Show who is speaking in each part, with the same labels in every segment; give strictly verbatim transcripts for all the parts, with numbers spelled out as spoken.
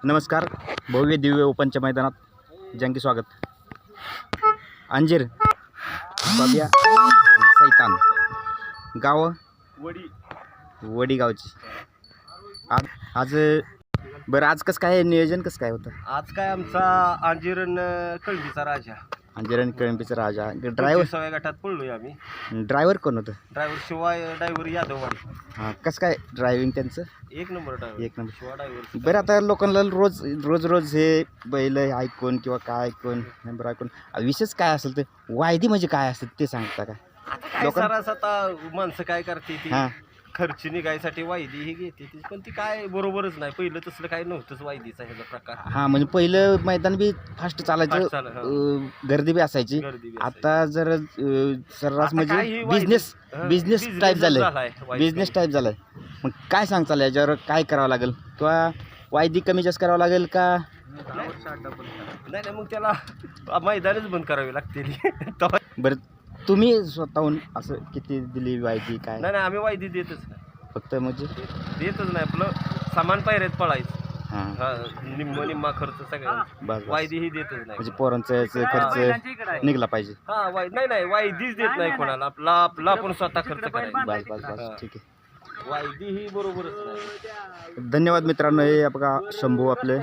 Speaker 1: नमस्कार. भव्य दिव्य ओपनच्या मैदानात जंगी स्वागत. अंजीर, बाबिया, सैतान. गाव
Speaker 2: वडी
Speaker 1: वडी गावची. आज आज बरं आज कसं काय नियोजन कसं काय होतं?
Speaker 2: आज काय आमचा अंजीरन कळंबीचा राजा
Speaker 1: अंजीर आणि कळंबीचा राजा. ड्रायव्हर
Speaker 2: सव्या गटात पडलोय आम्ही.
Speaker 1: ड्रायव्हर कोण होतं?
Speaker 2: ड्रायव्हर शिवाय ड्रायव्हर यादववाडी.
Speaker 1: हां, कसं काय ड्रायव्हिंग त्यांचं?
Speaker 2: एक नंबर ड्रायव्हर
Speaker 1: एक नंबर.
Speaker 2: शिवा ड्रायव्हर.
Speaker 1: बरं आता लोकांना रोज रोज रोज हे बैल ऐकून किंवा काय ऐकून नंबर ऐकून विशेष काय असेल ते वायदी म्हणजे काय असेल ते सांगता का?
Speaker 2: काय
Speaker 1: लोकां-
Speaker 2: सरास आता माणसं काय करते ती
Speaker 1: हां
Speaker 2: खर्च निघायसाठी वायदी ही घेते ती, पण ती काय बरोबरच नाही. पहिलं तसलं काय नव्हतंच वायदीचा ह्याचा प्रकार.
Speaker 1: हां म्हणजे पहिलं मैदान बी फास्ट चालायचं,
Speaker 2: फास्ट चालत,
Speaker 1: अं, गर्दी बी असायची.
Speaker 2: गर्दी बी
Speaker 1: आता जर अं, सर्रास
Speaker 2: आता काय
Speaker 1: म्हणजे
Speaker 2: ही वायदी-
Speaker 1: बिझनेस
Speaker 2: हं,
Speaker 1: बिझनेस
Speaker 2: business
Speaker 1: टाईप झालंय.
Speaker 2: झालाय वायदी.
Speaker 1: बिझनेस टाईप झालाय. मग काय सांगचाल याच्यावर? काय करावं लागेल किंवा वायदी कमी जास्त करावं लागेल का?
Speaker 2: नाही नाही मग त्याला मैदानच बंद करावी लागते. तेव्हा-
Speaker 1: बरं तुम्ही स्वतःहून असं किती दिली वायदी काय?
Speaker 2: नाही नाही आम्ही वायदी देतच नाही.
Speaker 1: फक्त म्हणजे
Speaker 2: देतच नाही. आपलं सामान पायऱ्यात पळायचं.
Speaker 1: हां
Speaker 2: हा, निम्म निम्मा खर्च सगळ्या
Speaker 1: बस बस.
Speaker 2: वायदी ही देतच नाही.
Speaker 1: म्हणजे पोरांचा याचा खर्च निघला पाहिजे.
Speaker 2: हा वाय नाही नाही वायदीच देत नाही कोणाला. आपला आपला आपण स्वतः खर्च करायचा.
Speaker 1: बस बस बस ठीक आहे.
Speaker 2: वायदी ही बरोबरच नाही.
Speaker 1: धन्यवाद मित्रांनो. हे बघा शंभू आपले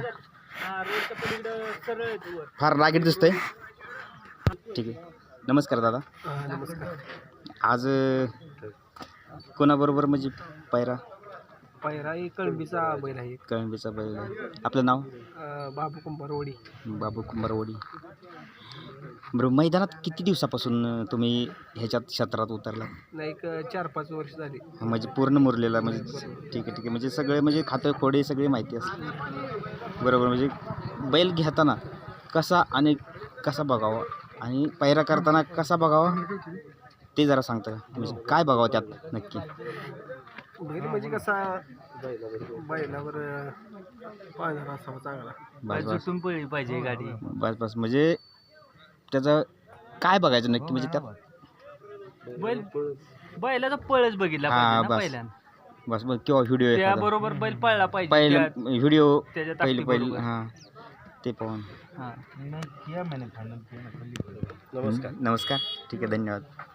Speaker 1: फार रागीट दिसतंय. ठीक आहे. नमस्कार दादा.
Speaker 2: नमस्कार.
Speaker 1: आज कोणाबरोबर म्हणजे पायरा?
Speaker 2: पायरा ही कळंबीचा बैल आहे.
Speaker 1: कळंबीचा बैल. आपलं नाव?
Speaker 2: बाबू कुंभारवाडी.
Speaker 1: बाबू कुंभारवाडी. बरं मैदानात किती दिवसापासून तुम्ही ह्याच्यात क्षेत्रात उतरला?
Speaker 2: नाही एक चार पाच वर्ष झाली.
Speaker 1: म्हणजे पूर्ण मुरलेला म्हणजे ठीक आहे ठीक आहे. म्हणजे सगळे म्हणजे खातं खोडे सगळे माहिती असते. बरोबर. म्हणजे बैल घेताना कसा आणि कसा बघावा आणि पायरा करताना कसा बघावा ते जरा सांगता का? म्हणजे काय बघावं त्यात नक्की?
Speaker 2: बैल म्हणजे कसा बैलावर पाळणारा असावा चांगला.
Speaker 1: बस बस
Speaker 2: पळली पाहिजे गाडी.
Speaker 1: बस बस म्हणजे त्याचं काय बघायचं नक्की म्हणजे त्यात?
Speaker 3: बैल बैलाचा पळच बघितला
Speaker 1: हा
Speaker 3: पाहिजे ना
Speaker 1: बस
Speaker 3: पहिल्यांदा.
Speaker 1: बस बस किंवा व्हिडिओ
Speaker 3: त्या बरोबर बैल पळला पाहिजे.
Speaker 1: पहिले
Speaker 3: त्या-
Speaker 1: व्हिडिओ
Speaker 3: त्याच्या
Speaker 1: पहिले पहिले
Speaker 3: ताकदीबरोबर.
Speaker 1: हां ते पाहून.
Speaker 3: हा.
Speaker 2: नमस्कार.
Speaker 1: नमस्कार ठीक आहे. धन्यवाद.